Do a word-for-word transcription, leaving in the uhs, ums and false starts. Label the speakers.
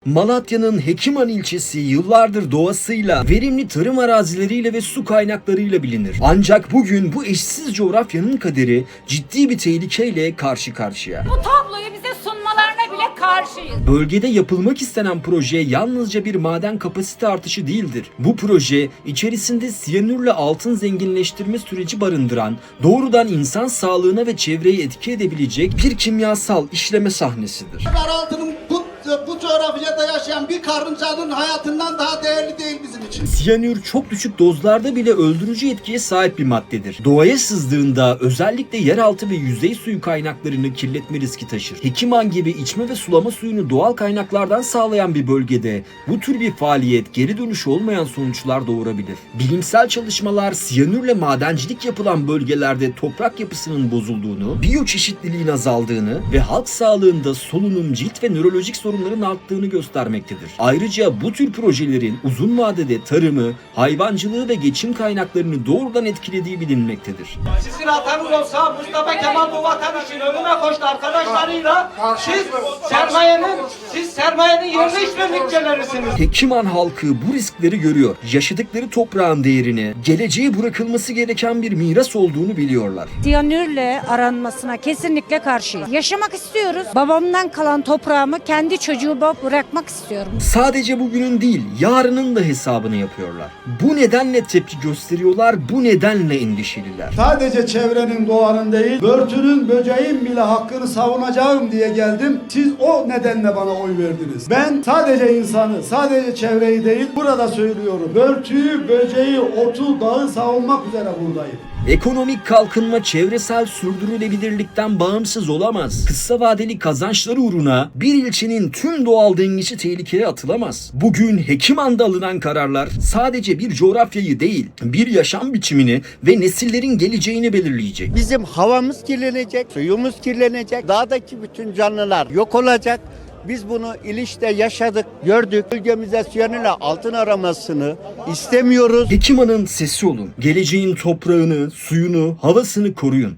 Speaker 1: Malatya'nın Hekiman ilçesi yıllardır doğasıyla, verimli tarım arazileriyle ve su kaynaklarıyla bilinir. Ancak bugün bu eşsiz coğrafyanın kaderi ciddi bir tehlikeyle karşı karşıya.
Speaker 2: Bu tabloyu bize sunmalarına bile karşıyız.
Speaker 1: Bölgede yapılmak istenen proje yalnızca bir maden kapasite artışı değildir. Bu proje içerisinde siyanürle altın zenginleştirme süreci barındıran, doğrudan insan sağlığına ve çevreyi etki edebilecek bir kimyasal işleme sahnesidir.
Speaker 3: Altının bu, bu coğrafyada yaşayan bir karıncanın hayatından daha değerli değil bizim için.
Speaker 1: Siyanür çok düşük dozlarda bile öldürücü etkiye sahip bir maddedir. Doğaya sızdığında özellikle yeraltı ve yüzey suyu kaynaklarını kirletme riski taşır. Hekiman gibi içme ve sulama suyunu doğal kaynaklardan sağlayan bir bölgede bu tür bir faaliyet geri dönüşü olmayan sonuçlar doğurabilir. Bilimsel çalışmalar siyanürle madencilik yapılan bölgelerde toprak yapısının bozulduğunu, biyoçeşitliliğin azaldığını ve halk sağlığında solunum, cilt ve nörolojik sorunların arttığını göstermektedir. Ayrıca bu tür projelerin uzun vadede tarımı, hayvancılığı ve geçim kaynaklarını doğrudan etkilediği bilinmektedir.
Speaker 4: Sizin atanız olsa Mustafa Kemal bu vatan için ölüme koştu arkadaşlarıyla. Siz sermayenin, siz sermayenin yerine işbirlikçilerisiniz.
Speaker 1: Hekiman halkı bu riskleri görüyor. Yaşadıkları toprağın değerini, geleceğe bırakılması gereken bir miras olduğunu biliyorlar.
Speaker 5: Siyanürle aranmasına kesinlikle karşıyım. Yaşamak istiyoruz. Babamdan kalan toprağımı kendi çocuğuma bırakmak istiyorum.
Speaker 1: Sadece bugünün değil, yarının da hesabını yapıyorlar. Bu nedenle tepki gösteriyorlar, bu nedenle endişeliler.
Speaker 6: Sadece çevrenin, doğanın değil, börtünün, böceğin bile hakkını savunacağım diye geldim. Siz o nedenle bana oy verdiniz. Ben sadece insanı, sadece çevreyi değil, burada söylüyorum. Börtüyü, böceği, otu, dağı savunmak üzere buradayım.
Speaker 1: Ekonomik kalkınma çevresel sürdürülebilirlikten bağımsız olamaz. Kısa vadeli kazançları uğruna bir ilçenin tüm doğal dengesi tehlikeye atılamaz. Bugün Hekiman'da alınan kararlar sadece bir coğrafyayı değil, bir yaşam biçimini ve nesillerin geleceğini belirleyecek.
Speaker 7: Bizim havamız kirlenecek, suyumuz kirlenecek, dağdaki bütün canlılar yok olacak. Biz bunu İliç'te yaşadık, gördük. Bölgemize siyanürle altın aramasını istemiyoruz.
Speaker 1: Hekiman'ın sesi olun. Geleceğin toprağını, suyunu, havasını koruyun.